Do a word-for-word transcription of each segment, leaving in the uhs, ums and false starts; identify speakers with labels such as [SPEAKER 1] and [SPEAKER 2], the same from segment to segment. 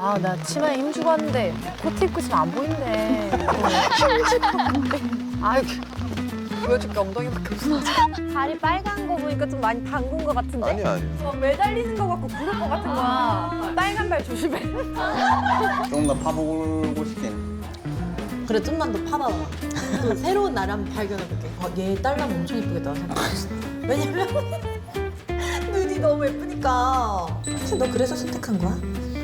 [SPEAKER 1] 아, 나 치마에 힘주고 왔는데 코트 입고 있으면 안 보인대. 힘주고 왔는데. 아이, 보여줄게 엉덩이밖에 없어. 다리 빨간 거 보니까 좀 많이 담근 거 같은데?
[SPEAKER 2] 아니야, 아니야.
[SPEAKER 1] 막 매달리는 거 같고 그럴 것 같은 거야. 빨간 발 조심해.
[SPEAKER 2] 조금 더 파보고 싶긴.
[SPEAKER 3] 그래 좀만 더 파봐봐. 또 새로운 나를 한번 발견해볼게. 어, 얘 딸라면 엄청 예쁘겠다 생각했어. 왜냐면 눈이 너무 예쁘니까. 혹시 너 그래서 선택한 거야?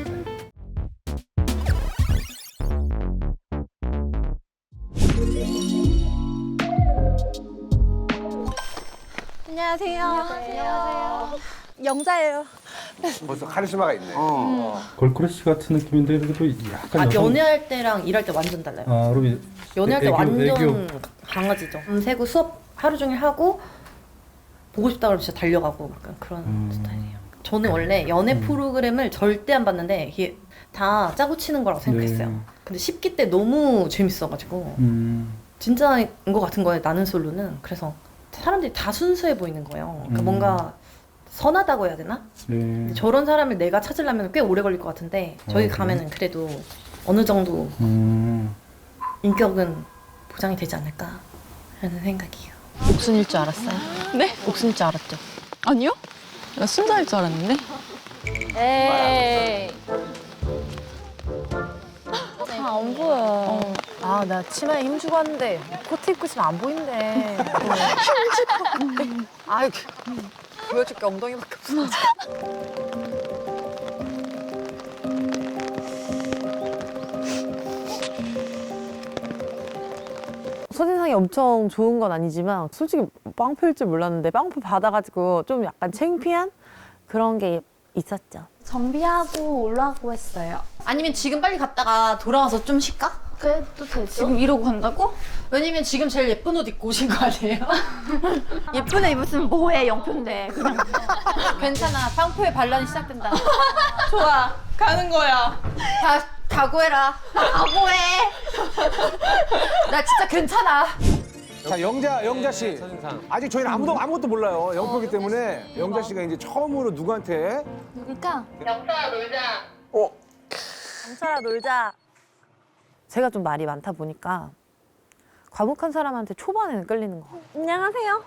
[SPEAKER 1] 안녕하세요. 안녕하세요. 영자예요.
[SPEAKER 4] 벌써 카리스마가 있네.
[SPEAKER 5] 걸크러쉬 같은 느낌인데 그래도 약간
[SPEAKER 3] 아
[SPEAKER 5] 여성-
[SPEAKER 3] 연애할 때랑 일할 때 완전 달라요.
[SPEAKER 5] 아, 그럼
[SPEAKER 3] 연애할 때
[SPEAKER 5] 애교,
[SPEAKER 3] 완전
[SPEAKER 5] 애교.
[SPEAKER 3] 강아지죠. 밤새고 수업 하루 종일 하고 보고 싶다 그러면 진짜 달려가고 약간 그런
[SPEAKER 5] 음.
[SPEAKER 3] 스타일이에요. 저는 원래 연애
[SPEAKER 5] 음.
[SPEAKER 3] 프로그램을 절대 안 봤는데 이게 다 짜고 치는 거라고 생각했어요.
[SPEAKER 5] 네.
[SPEAKER 3] 근데 십기 때 너무 재밌어가지고
[SPEAKER 5] 음.
[SPEAKER 3] 진짜인 것 같은 거예요. 나는 솔로는. 그래서 사람들이 다 순수해 보이는 거예요. 그러니까
[SPEAKER 5] 음.
[SPEAKER 3] 뭔가 선하다고 해야 되나?
[SPEAKER 5] 네.
[SPEAKER 3] 저런 사람을 내가 찾으려면 꽤 오래 걸릴 것 같은데 저희
[SPEAKER 5] 어, 그래요?
[SPEAKER 3] 가면은 그래도 어느 정도
[SPEAKER 5] 음.
[SPEAKER 3] 인격은 보장이 되지 않을까 하는 생각이에요.
[SPEAKER 1] 옥순일 줄 알았어요.
[SPEAKER 6] 네?
[SPEAKER 1] 옥순일 줄 알았죠.
[SPEAKER 6] 아니요? 나 순자일 줄 알았는데?
[SPEAKER 1] 에이. 아, 안 보여. 아, 나 치마에 힘주고 왔는데 코트 입고 있으면 안 보인대. 힘주고 왔는데. 아이, 보여줄게 엉덩이밖에 없어.
[SPEAKER 7] 첫인상이 엄청 좋은 건 아니지만 솔직히 빵표일 줄 몰랐는데 빵표 받아가지고 좀 약간 창피한 그런 게 있었죠.
[SPEAKER 8] 정비하고 올라가고 했어요.
[SPEAKER 3] 아니면 지금 빨리 갔다가 돌아와서 좀 쉴까?
[SPEAKER 8] 그래도 되죠?
[SPEAKER 6] 지금 이러고 간다고?
[SPEAKER 3] 왜냐면 지금 제일 예쁜 옷 입고 오신 거 아니에요?
[SPEAKER 8] 예쁜 애 입었으면 뭐해, 영표인데. 그냥.
[SPEAKER 3] 괜찮아. 빵표의 반란이 시작된다.
[SPEAKER 6] 좋아, 가는 거야.
[SPEAKER 3] 다 각오해라. 각오해. 나 진짜 괜찮아.
[SPEAKER 4] 자, 영자, 영자 씨. 아직 저희는 아무도 아무것도 몰라요. 영표기 때문에 영자 씨가 이제 처음으로 누구한테
[SPEAKER 8] 누굴까?
[SPEAKER 7] 경찰아 놀자. 제가 좀 말이 많다 보니까 과묵한 사람한테 초반에는 끌리는 거. 안녕하세요.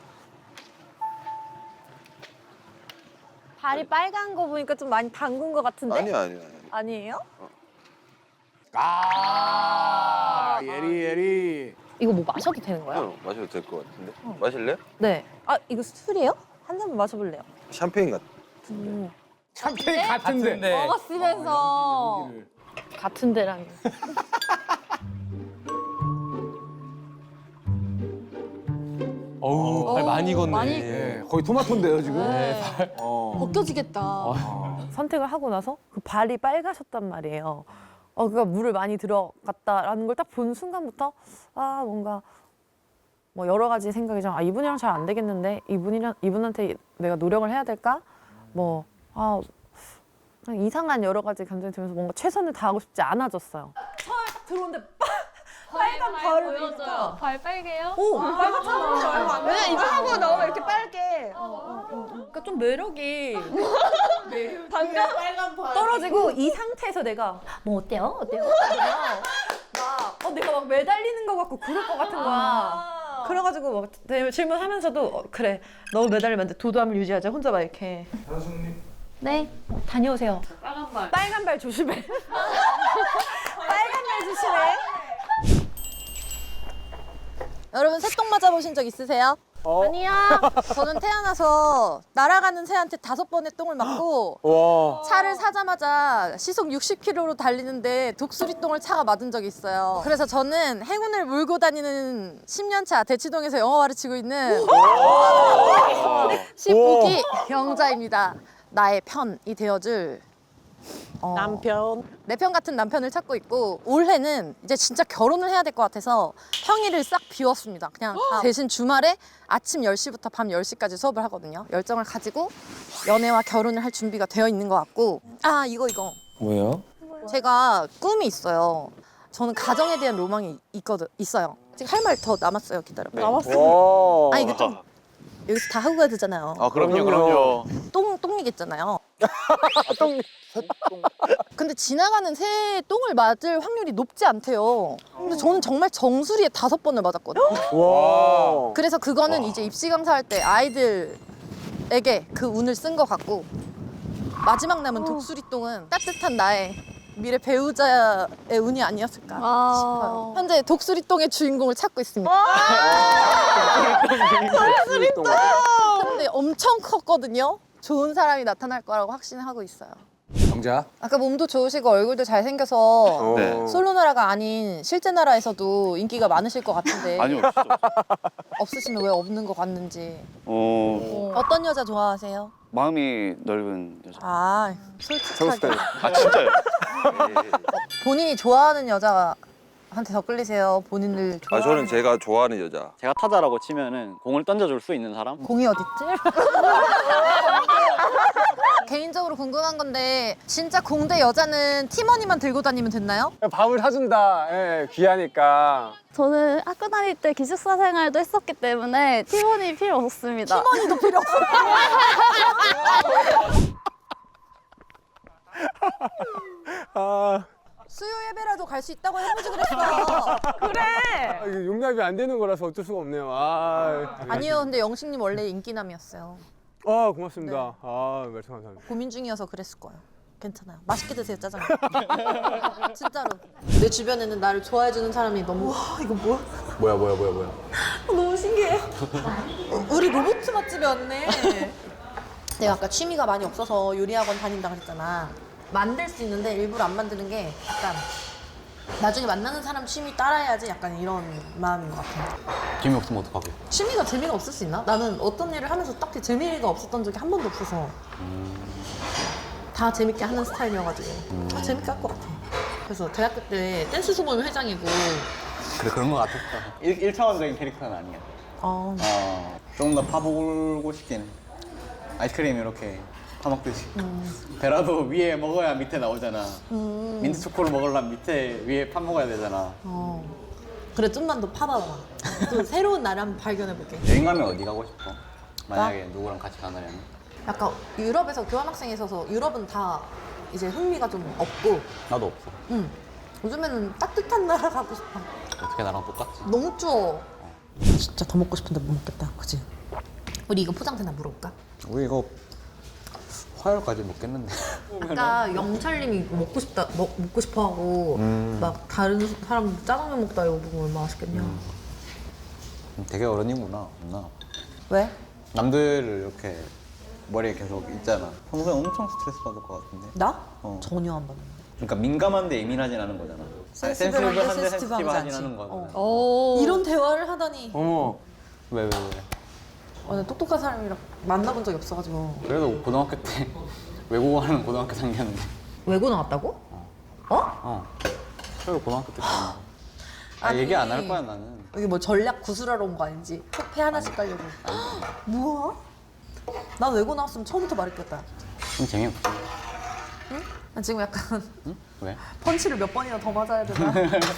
[SPEAKER 7] 다리 빨간 거 보니까 좀 많이 담근 거 같은데?
[SPEAKER 2] 아니야, 아니야. 아니야.
[SPEAKER 7] 아니에요?
[SPEAKER 4] 아, 예리 예리.
[SPEAKER 7] 이거 뭐 마셔도 되는 거야?
[SPEAKER 2] 어, 마셔도 될 것 같은데. 마실래?
[SPEAKER 7] 네. 아 이거 술이에요? 한 잔만 마셔볼래요.
[SPEAKER 2] 샴페인 같.
[SPEAKER 7] 음.
[SPEAKER 4] 샴페인 같은데.
[SPEAKER 7] 먹었으면서 같은 데랑.
[SPEAKER 9] 어우, 발 많이 걷네.
[SPEAKER 8] 많이
[SPEAKER 4] 예, 거의 토마토인데요 지금. 어.
[SPEAKER 8] 벗겨지겠다.
[SPEAKER 7] 선택을 하고 나서 그 발이 빨가셨단 말이에요. 어, 그러니까 물을 많이 들어갔다라는 걸 딱 본 순간부터 아 뭔가 뭐 여러 가지 생각이 좀 아 이분이랑 잘 안 되겠는데 이분이랑 이분한테 내가 노력을 해야 될까? 뭐 아 이상한 여러 가지 감정이 들면서 뭔가 최선을 다하고 싶지 않아졌어요.
[SPEAKER 3] 들어오는데
[SPEAKER 8] 빨간 발을 보여줘요. 발 빨개요?
[SPEAKER 3] 오 빨갛잖아.
[SPEAKER 6] 왜냐 이거 하고 나오면 이렇게 빨개.
[SPEAKER 3] 그러니까 좀 매력이
[SPEAKER 6] 방금 빨간 발.
[SPEAKER 3] 떨어지고 이 상태에서 내가 뭐 어때요? 어때요? 막 어, 내가 막 매달리는 거 같고 그럴 것 같은 거야. 그래가지고 막 대- 질문하면서도 어, 그래 너무 매달리면 안 돼. 도도함을 유지하자. 혼자 막 이렇게
[SPEAKER 8] 네.
[SPEAKER 3] 다녀오세요.
[SPEAKER 6] 빨간 발.
[SPEAKER 7] 빨간 발 조심해. 빨간 발 조심해.
[SPEAKER 3] 여러분 새똥 맞아보신 적 있으세요?
[SPEAKER 7] 아니야.
[SPEAKER 3] 저는 태어나서 날아가는 새한테 다섯 번의 똥을 맞고
[SPEAKER 4] 와.
[SPEAKER 3] 차를 사자마자 시속 육십 킬로미터로 달리는데 독수리 똥을 차가 맞은 적이 있어요. 그래서 저는 행운을 몰고 다니는 십 년 차 대치동에서 영어 가르치고 있는 십오 기 영자입니다. 나의 편이 되어줄 어,
[SPEAKER 7] 남편.
[SPEAKER 3] 내 편 같은 남편을 찾고 있고 올해는 이제 진짜 결혼을 해야 될 것 같아서 평일을 싹 비웠습니다. 그냥 다 대신 주말에 아침 열 시부터 밤 열 시까지 수업을 하거든요. 열정을 가지고 연애와 결혼을 할 준비가 되어 있는 것 같고 아 이거 이거
[SPEAKER 9] 뭐예요?
[SPEAKER 3] 제가 꿈이 있어요. 저는 가정에 대한 로망이 있거든, 있어요. 지금 할 말 더 남았어요. 기다려봐.
[SPEAKER 4] 남았어. 와.
[SPEAKER 3] 아 이거 좀 여기서 다 하고 가야 되잖아요.
[SPEAKER 2] 아, 그럼요, 그럼요.
[SPEAKER 3] 똥, 똥이겠잖아요.
[SPEAKER 4] 똥.
[SPEAKER 3] 근데 지나가는 새의 똥을 맞을 확률이 높지 않대요. 근데 저는 정말 정수리에 다섯 번을 맞았거든요.
[SPEAKER 4] 와.
[SPEAKER 3] 그래서 그거는 이제 입시 강사할 때 아이들에게 그 운을 쓴 것 같고 마지막 남은 독수리 똥은 따뜻한 나의 미래 배우자의 운이 아니었을까
[SPEAKER 8] 아.
[SPEAKER 3] 싶어요. 현재 독수리 똥의 주인공을 찾고 있습니다.
[SPEAKER 4] 독수리 똥.
[SPEAKER 3] 근데 엄청 컸거든요. 좋은 사람이 나타날 거라고 확신하고 있어요.
[SPEAKER 4] 영자.
[SPEAKER 3] 아까 몸도 좋으시고 얼굴도 잘생겨서
[SPEAKER 2] 네.
[SPEAKER 3] 솔로 나라가 아닌 실제 나라에서도 인기가 많으실 것 같은데
[SPEAKER 2] 아니요, 없어.
[SPEAKER 3] 없으시면 왜 없는 것 같는지.
[SPEAKER 9] 어,
[SPEAKER 3] 어떤 여자 좋아하세요?
[SPEAKER 9] 마음이 넓은 여자.
[SPEAKER 3] 아,
[SPEAKER 4] 저거
[SPEAKER 3] 솔직하게.
[SPEAKER 2] 아, 진짜요?
[SPEAKER 3] 본인이 좋아하는 여자한테 더 끌리세요? 본인을
[SPEAKER 2] 아,
[SPEAKER 3] 좋아하는
[SPEAKER 2] 저는 제가 좋아하는 여자.
[SPEAKER 9] 제가 타자라고 치면은 공을 던져줄 수 있는 사람?
[SPEAKER 3] 공이 어딨지? 개인적으로 궁금한 건데 진짜 공대 여자는 티머니만 들고 다니면 됐나요?
[SPEAKER 4] 밥을 사준다. 예, 귀하니까.
[SPEAKER 8] 저는 학교 다닐 때 기숙사 생활도 했었기 때문에 팀원이 필요 없었습니다.
[SPEAKER 3] 티머니도 필요 없어요.
[SPEAKER 4] 아,
[SPEAKER 3] 수요 예배라도 갈 수 있다고 해보지 그랬어.
[SPEAKER 4] 아, 이거 용납이 안 되는 거라서 어쩔 수가 없네요. 아,
[SPEAKER 3] 아니요, 근데 영식님 원래 인기남이었어요.
[SPEAKER 4] 아, 고맙습니다.
[SPEAKER 3] 네.
[SPEAKER 4] 아, 말씀 감사합니다.
[SPEAKER 3] 고민 중이어서 그랬을 거예요. 괜찮아요. 맛있게 드세요, 짜장면. 진짜로. 내 주변에는 나를 좋아해주는 사람이 너무 와 이거 뭐야?
[SPEAKER 4] 뭐야, 뭐야, 뭐야, 뭐야.
[SPEAKER 3] 너무 신기해. 우리 로봇 맛집에 왔네. 내가 아까 취미가 많이 없어서 요리학원 다닌다 그랬잖아. 만들 수 있는데 일부러 안 만드는 게 약간 나중에 만나는 사람 취미 따라해야지 약간 이런 마음인 것 같아.
[SPEAKER 9] 재미 없으면 어떡하게?
[SPEAKER 3] 취미가 재미가 없을 수 있나? 나는 어떤 일을 하면서 딱히 재미가 없었던 적이 한 번도 없어서 다 재밌게 하는 스타일이어가지고 다 재밌게 할 것 같아. 그래서 대학교 때 댄스 소모임 회장이고
[SPEAKER 9] 그래, 그런 거 같았다. 일, 일차원적인 캐릭터는 아니야.
[SPEAKER 3] 어,
[SPEAKER 10] 어, 조금 더 파보고 싶긴 해. 아이스크림 이렇게 파먹듯이. 베라도 위에 먹어야 밑에 나오잖아. 민트 초코를 먹으려면 밑에 위에 파 먹어야 되잖아.
[SPEAKER 3] 어. 그래 좀만 더 파봐봐. 또 새로운 나를 한번 발견해볼게.
[SPEAKER 10] 여행 가면 어디 가고 싶어? 만약에 누구랑 같이 가느냐면.
[SPEAKER 3] 약간 유럽에서 교환학생이 있어서 유럽은 다 이제 흥미가 좀 없고
[SPEAKER 10] 나도 없어.
[SPEAKER 3] 응. 요즘에는 따뜻한 나라 가고 싶어.
[SPEAKER 10] 어떻게 나랑 똑같지?
[SPEAKER 3] 너무 추워. 진짜 더 먹고 싶은데 못 먹겠다. 그치? 우리 이거 포장되나 물어볼까?
[SPEAKER 10] 우리 이거 화요일까지 먹겠는데.
[SPEAKER 3] 아까 영철님이 이거 먹고 싶다, 먹, 먹고 싶어 하고 막 다른 사람 짜장면 먹다 이거 먹으면 얼마나 맛있겠냐.
[SPEAKER 10] 되게 어른이구나. 나
[SPEAKER 3] 왜?
[SPEAKER 10] 남들을 이렇게 머리에 계속 있잖아. 평소에 엄청 스트레스 받을 것 같은데.
[SPEAKER 3] 나?
[SPEAKER 10] 어.
[SPEAKER 3] 전혀 안 받는데.
[SPEAKER 10] 그러니까 민감한데 예민하진 않은 거잖아. 아니, 센시티브한데 센시티브하진 않은 거잖아.
[SPEAKER 3] 이런 대화를 하다니.
[SPEAKER 4] 어머.
[SPEAKER 10] 왜, 왜, 왜?
[SPEAKER 3] 어, 나 똑똑한 사람이랑 만나본 적이 없어가지고.
[SPEAKER 10] 그래도 고등학교 때 외국어 하는 고등학교 다녔는데.
[SPEAKER 3] 외고 나왔다고? 어?
[SPEAKER 10] 어. 그래도 고등학교 때 다녔는데. 아,
[SPEAKER 3] 아니.
[SPEAKER 10] 얘기 안 할 거야, 나는.
[SPEAKER 3] 여기 뭐 전략 구술하러 온 거 아닌지? 폐 하나씩 깔려고. 뭐야? 난 외고 나왔으면 처음부터 말했겠다.
[SPEAKER 10] 좀 재미없어.
[SPEAKER 3] 나 지금 약간
[SPEAKER 10] 응? 왜?
[SPEAKER 3] 펀치를 몇 번이나 더 맞아야 되나?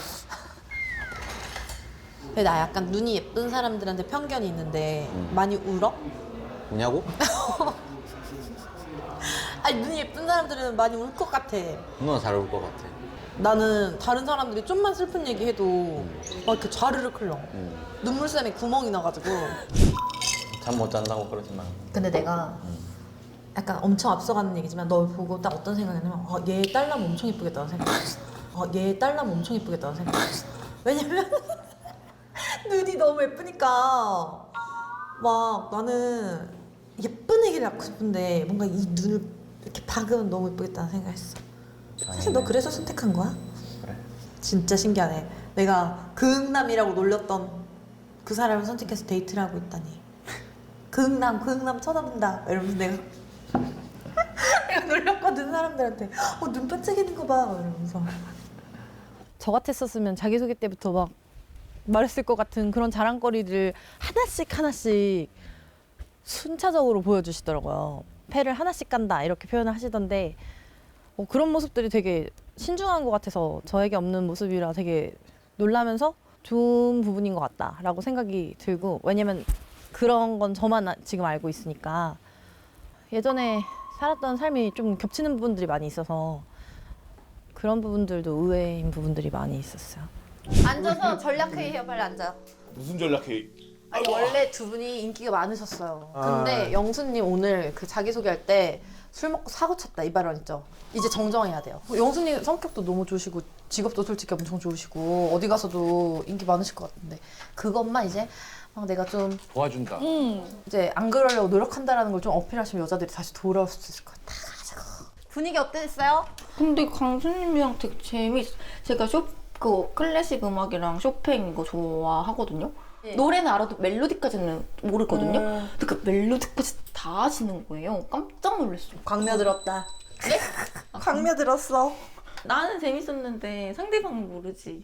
[SPEAKER 3] 근데 나 약간 눈이 예쁜 사람들한테 편견이 있는데 많이 울어?
[SPEAKER 10] 우냐고?
[SPEAKER 3] 아니 눈이 예쁜 사람들은 많이 울 것 같아.
[SPEAKER 10] 누나 잘 올 것 같아.
[SPEAKER 3] 나는 다른 사람들이 좀만 슬픈 얘기 해도 막 이렇게 좌르륵 흘러. 눈물샘에 구멍이 나가지고.
[SPEAKER 10] 잠 못 잔다고 그러지 마.
[SPEAKER 3] 근데 내가 약간 엄청 앞서가는 얘기지만 널 보고 딱 어떤 생각이냐면 어, 얘 딸라면 엄청 예쁘겠다는 생각했어. 어, 얘 딸라면 엄청 예쁘겠다는 생각했어. 왜냐면 눈이 너무 예쁘니까 막 나는 예쁜 애기를 낳고 싶은데 뭔가 이 눈을 이렇게 박으면 너무 예쁘겠다는 생각했어. 사실 너 그래서 선택한 거야?
[SPEAKER 10] 그래.
[SPEAKER 3] 진짜 신기하네. 내가 극남이라고 놀렸던 그 사람을 선택해서 데이트를 하고 있다니. 극남, 극남 쳐다본다. 이러면서 내가 내가 놀렸거든 사람들한테. 어, 눈 반짝이는 거 봐. 이러면서. 저 같았었으면 자기소개 때부터 막 말했을 것 같은 그런 자랑거리들 하나씩 하나씩 순차적으로 보여주시더라고요. 패를 하나씩 간다 이렇게 표현을 하시던데 어, 그런 모습들이 되게 신중한 것 같아서 저에게 없는 모습이라 되게 놀라면서 좋은 부분인 것 같다라고 생각이 들고 왜냐면 그런 건 저만 지금 알고 있으니까 예전에 살았던 삶이 좀 겹치는 부분들이 많이 있어서
[SPEAKER 7] 그런 부분들도 의외인 부분들이 많이 있었어요.
[SPEAKER 3] 앉아서 전략회의해요. 빨리 앉아요.
[SPEAKER 4] 무슨 전략회의?
[SPEAKER 3] 아니 원래 두 분이 인기가 많으셨어요.
[SPEAKER 4] 아.
[SPEAKER 3] 근데 영수님 오늘 그 자기소개할 때 술 먹고 사고 쳤다 이 발언 있죠? 이제 정정해야 돼요. 영수님 성격도 너무 좋으시고 직업도 솔직히 엄청 좋으시고 어디 가서도 인기 많으실 것 같은데 그것만 이제 막 내가 좀
[SPEAKER 4] 도와준다.
[SPEAKER 3] 이제 안 그러려고 노력한다라는 걸 좀 어필하시면 여자들이 다시 돌아올 수 있을 것 같아. 분위기 어땠어요?
[SPEAKER 6] 근데 강수님이랑 되게 재밌. 제가 쇼, 그 클래식 음악이랑 쇼팽 이거 좋아하거든요.
[SPEAKER 3] 네.
[SPEAKER 6] 노래는 알아도 멜로디까지는 모르거든요. 근데 그 멜로디까지 다 아시는 거예요. 깜짝 놀랐어요.
[SPEAKER 3] 광며들었다.
[SPEAKER 6] 네? 광며들었어. 나는 재밌었는데 상대방은 모르지.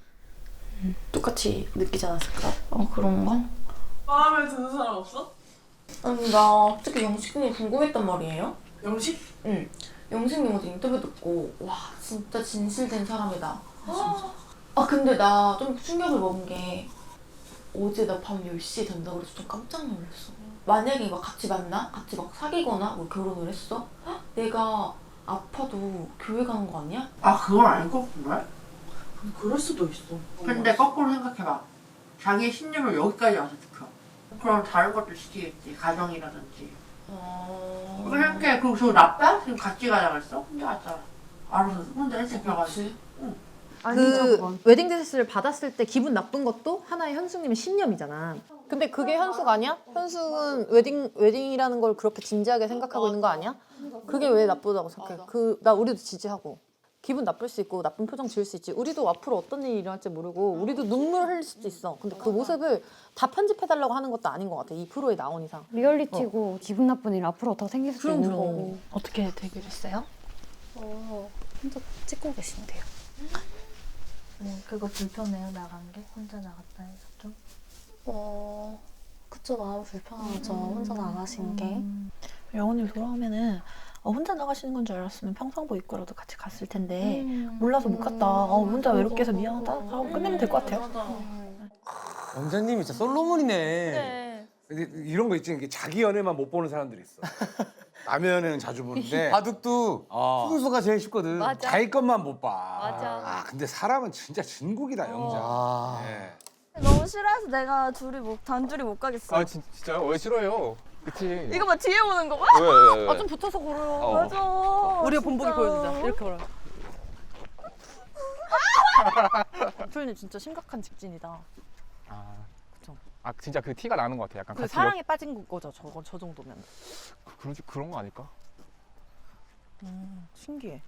[SPEAKER 3] 똑같이 느끼지 않았을까?
[SPEAKER 6] 어 그런가? 마음에 드는 사람 없어? 아니 나 특히 영식님이 궁금했단 말이에요. 영식? 응. 영식님 어제 인터뷰 듣고 와 진짜 진실된 사람이다. 아 근데 나 좀 충격을 먹은 게 어제 나 밤 열 시 된다고 그래서 좀 깜짝 놀랐어. 만약에 막 같이 만나? 같이 막 사귀거나 뭐 결혼을 했어? 헉, 내가 아파도 교회 가는 거 아니야?
[SPEAKER 11] 아 그걸 알고 그래?
[SPEAKER 6] 그럴 수도 있어.
[SPEAKER 11] 근데 거꾸로 생각해봐. 자기의 신념을 여기까지 와서 지켜. 그럼 다른 것도 지키겠지. 가정이라든지.
[SPEAKER 6] 어...
[SPEAKER 11] 그렇게 생각해. 그리고 저 나빠? 지금 같이 가자 그랬어? 혼자 갔잖아. 알아서 혼자 일찍 들어가지.
[SPEAKER 3] 그 웨딩 드레스를 받았을 때 기분 나쁜 것도 하나의 현숙님의 신념이잖아. 근데 그게 현숙 아니야? 현숙은 웨딩 웨딩이라는 걸 그렇게 진지하게 생각하고 있는 거 아니야? 그게 왜 나쁘다고 생각해? 그 나 우리도 지지하고 기분 나쁠 수 있고 나쁜 표정 지을 수 있지. 우리도 앞으로 어떤 일이 일어날지 모르고 우리도 눈물 흘릴 수도 있어. 근데 그 모습을 다 편집해달라고 하는 것도 아닌 것 같아. 이 프로에 나온 이상.
[SPEAKER 8] 리얼리티고 기분 나쁜 일 앞으로 더 생길 수도
[SPEAKER 3] 그럼,
[SPEAKER 8] 있는
[SPEAKER 3] 그럼.
[SPEAKER 8] 거고.
[SPEAKER 6] 어떻게 대결했어요?
[SPEAKER 8] 어, 혼자 찍고 계신데요.
[SPEAKER 12] 네, 그거 불편해요, 나간 게? 혼자 나갔다 해서 좀?
[SPEAKER 8] 어, 그쵸, 마음 불편하죠. 혼자 나가신 게.
[SPEAKER 6] 영호님 돌아오면은 어, 혼자 나가시는 건 줄 알았으면 평상복 입고라도 같이 갔을 텐데
[SPEAKER 8] 음.
[SPEAKER 6] 몰라서 못 갔다. 어, 혼자 외롭게 해서 미안하다 하고 끝내면 될 것 같아요.
[SPEAKER 9] 영자님이 진짜 솔로몬이네.
[SPEAKER 4] 근데 이런 거 있지. 이게 자기 연애만 못 보는 사람들이 있어. 남의 연애는 자주 보는데
[SPEAKER 9] 바둑도
[SPEAKER 4] 어.
[SPEAKER 9] 순수가 제일 쉽거든.
[SPEAKER 4] 자기 것만 못 봐.
[SPEAKER 8] 맞아.
[SPEAKER 4] 아 근데 사람은 진짜 진국이다 영자.
[SPEAKER 9] 아.
[SPEAKER 4] 네.
[SPEAKER 12] 너무 싫어해서 내가 둘이 못, 단둘이 못 가겠어.
[SPEAKER 2] 아 진, 진짜요? 왜 싫어요? 그치.
[SPEAKER 12] 이거 봐, 뒤에 오는 거 봐?
[SPEAKER 2] 왜, 왜, 왜?
[SPEAKER 3] 아 좀 붙어서 걸어요.
[SPEAKER 2] 어.
[SPEAKER 12] 맞아.
[SPEAKER 3] 우리가
[SPEAKER 12] 진짜.
[SPEAKER 3] 본보기 보여주자. 이렇게 걸어요. 풀님 진짜 심각한 직진이다.
[SPEAKER 13] 아,
[SPEAKER 3] 그쵸.
[SPEAKER 13] 아 진짜 그 티가 나는 것 같아. 약간
[SPEAKER 3] 그
[SPEAKER 13] 같이
[SPEAKER 3] 사랑에 빠진 거죠. 저거 저 정도면.
[SPEAKER 13] 여, 그런 그런 거 아닐까?
[SPEAKER 3] 음, 신기해.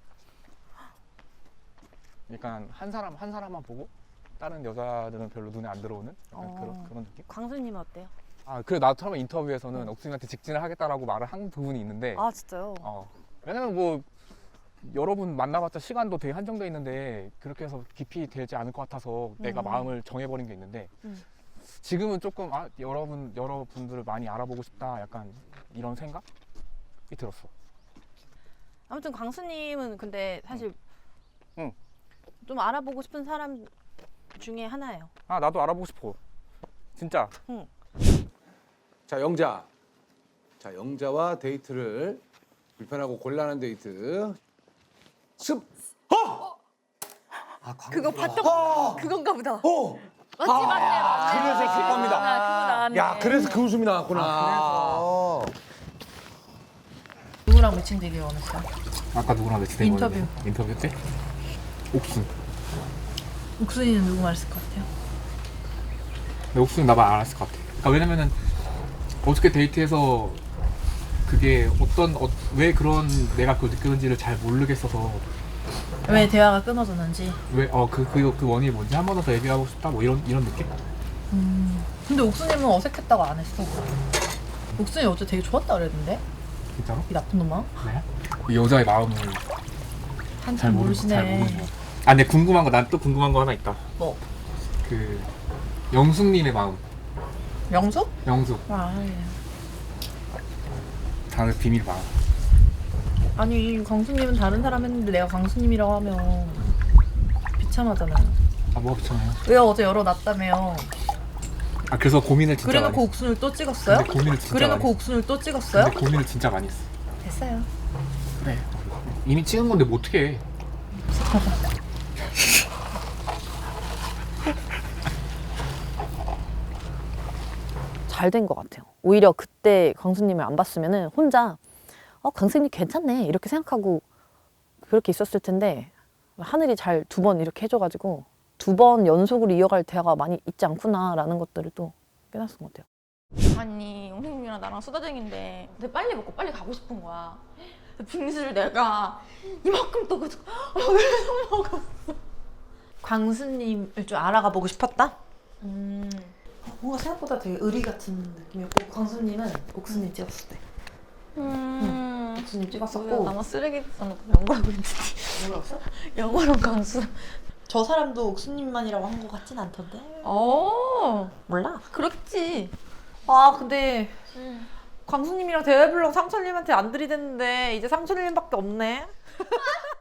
[SPEAKER 13] 약간 한 사람 한 사람만 보고 다른 여자들은 별로 눈에 안 들어오는 약간
[SPEAKER 3] 어.
[SPEAKER 13] 그런 그런 느낌?
[SPEAKER 3] 광수님은 어때요?
[SPEAKER 13] 아 그래 나도 처음에 인터뷰에서는 옥수님한테 직진을 하겠다라고 말을 한 부분이 있는데.
[SPEAKER 3] 아 진짜요?
[SPEAKER 13] 어 왜냐면 뭐 여러분 만나봤자 시간도 되게 한정돼 있는데 그렇게 해서 깊이 되지 않을 것 같아서 내가
[SPEAKER 3] 음.
[SPEAKER 13] 마음을 정해버린 게 있는데
[SPEAKER 3] 음.
[SPEAKER 13] 지금은 조금 아 여러분 여러분들을 많이 알아보고 싶다 약간 이런 생각이 들었어.
[SPEAKER 3] 아무튼 광수님은 근데 사실
[SPEAKER 13] 응.
[SPEAKER 3] 좀 알아보고 싶은 사람 중에 하나예요.
[SPEAKER 13] 아 나도 알아보고 싶어. 진짜.
[SPEAKER 3] 응.
[SPEAKER 4] 자 영자. 자 영자와 데이트를 불편하고 곤란한 데이트. 습. 어!
[SPEAKER 9] 아,
[SPEAKER 3] 그거 봤던
[SPEAKER 4] 어!
[SPEAKER 3] 그건가 보다.
[SPEAKER 4] 어!
[SPEAKER 3] 맞지 맞네 맞네.
[SPEAKER 4] 그래서 그겁니다.
[SPEAKER 3] 그거 나왔네.
[SPEAKER 4] 야 그래서 그 웃음이 나왔구나.
[SPEAKER 9] 아,
[SPEAKER 3] 누구랑 매칭되길 원했어요?
[SPEAKER 13] 아까 누구랑 매치된
[SPEAKER 3] 인터뷰.
[SPEAKER 13] 거였는데? 인터뷰 때? 옥순.
[SPEAKER 3] 옥순이는 누구 말했을 것 같아요?
[SPEAKER 13] 근데 옥순이 나만 안 했을 것 같아. 그러니까 왜냐면은 어저께 데이트해서 그게 어떤 어, 왜 그런 내가 그걸 느꼈는지를 잘 모르겠어서
[SPEAKER 3] 왜 대화가 끊어졌는지.
[SPEAKER 13] 왜어그 그 그 원인이 뭔지 한 번 더 얘기하고 싶다 뭐 이런 이런 느낌?
[SPEAKER 3] 음. 근데 옥순이는 어색했다고 안 했어. 옥순이 어제 되게 좋았다 그랬는데?
[SPEAKER 13] 진짜로?
[SPEAKER 3] 이 나쁜 놈아.
[SPEAKER 13] 네? 그 여자의 마음을
[SPEAKER 3] 한참
[SPEAKER 13] 잘 모르 잘
[SPEAKER 3] 모르시네.
[SPEAKER 13] 모르는 거. 아 근데 궁금한 거 난 또 궁금한 거 하나 있다.
[SPEAKER 3] 뭐?
[SPEAKER 13] 그 영숙님의 마음.
[SPEAKER 3] 영숙?
[SPEAKER 13] 영숙.
[SPEAKER 3] 아, 예.
[SPEAKER 13] 다른 비밀 마음.
[SPEAKER 3] 아니 광수님은 다른 사람 했는데 내가 광수님이라고 하면 비참하잖아요.
[SPEAKER 13] 아 뭐가 비참해요?
[SPEAKER 3] 왜 어제 열어놨다며요?
[SPEAKER 13] 아 그래서 고민을 진짜
[SPEAKER 3] 그래놓고
[SPEAKER 13] 많이
[SPEAKER 3] 옥순을 또 찍었어요?
[SPEAKER 13] 근데 고민을 진짜
[SPEAKER 3] 그래놓고
[SPEAKER 13] 많이
[SPEAKER 3] 옥순을 또 찍었어요?
[SPEAKER 13] 근데 고민을 진짜 많이 했어.
[SPEAKER 3] 됐어요.
[SPEAKER 13] 그래. 이미 찍은 건데 뭐 어떻게 해?
[SPEAKER 7] 잘 된 것 같아요. 오히려 그때 광수님을 안 봤으면은 혼자 어 광수님 괜찮네 이렇게 생각하고 그렇게 있었을 텐데 하늘이 잘 두 번 이렇게 해줘가지고 두 번 연속으로 이어갈 대화가 많이 있지 않구나라는 것들을 또 깨닫은 것 같아요.
[SPEAKER 6] 아니 영생님이랑 나랑 수다쟁인데 근데 빨리 먹고 빨리 가고 싶은 거야. 빙수를 내가 이만큼 떠가지고 계속 먹었어.
[SPEAKER 1] 광수님을 좀 알아가 보고 싶었다?
[SPEAKER 6] 음.
[SPEAKER 1] 뭔가 생각보다 되게 의리 같은 느낌이었고 광수님은 옥수님 찍었을 때
[SPEAKER 6] 음.
[SPEAKER 1] 옥수님 찍었었고
[SPEAKER 6] 뭐야, 나만 쓰레기 써놓고 영어라고 했지.
[SPEAKER 1] 뭐라고?
[SPEAKER 6] 영어랑 광수.
[SPEAKER 1] 저 사람도 옥수님만이라고 한 것 같진 않던데.
[SPEAKER 6] 어.
[SPEAKER 1] 몰라.
[SPEAKER 6] 그렇겠지.
[SPEAKER 1] 아 근데
[SPEAKER 6] 응.
[SPEAKER 1] 광수님이랑 대회불능 상철님한테 안 들이댔는데 이제 상철님밖에 없네.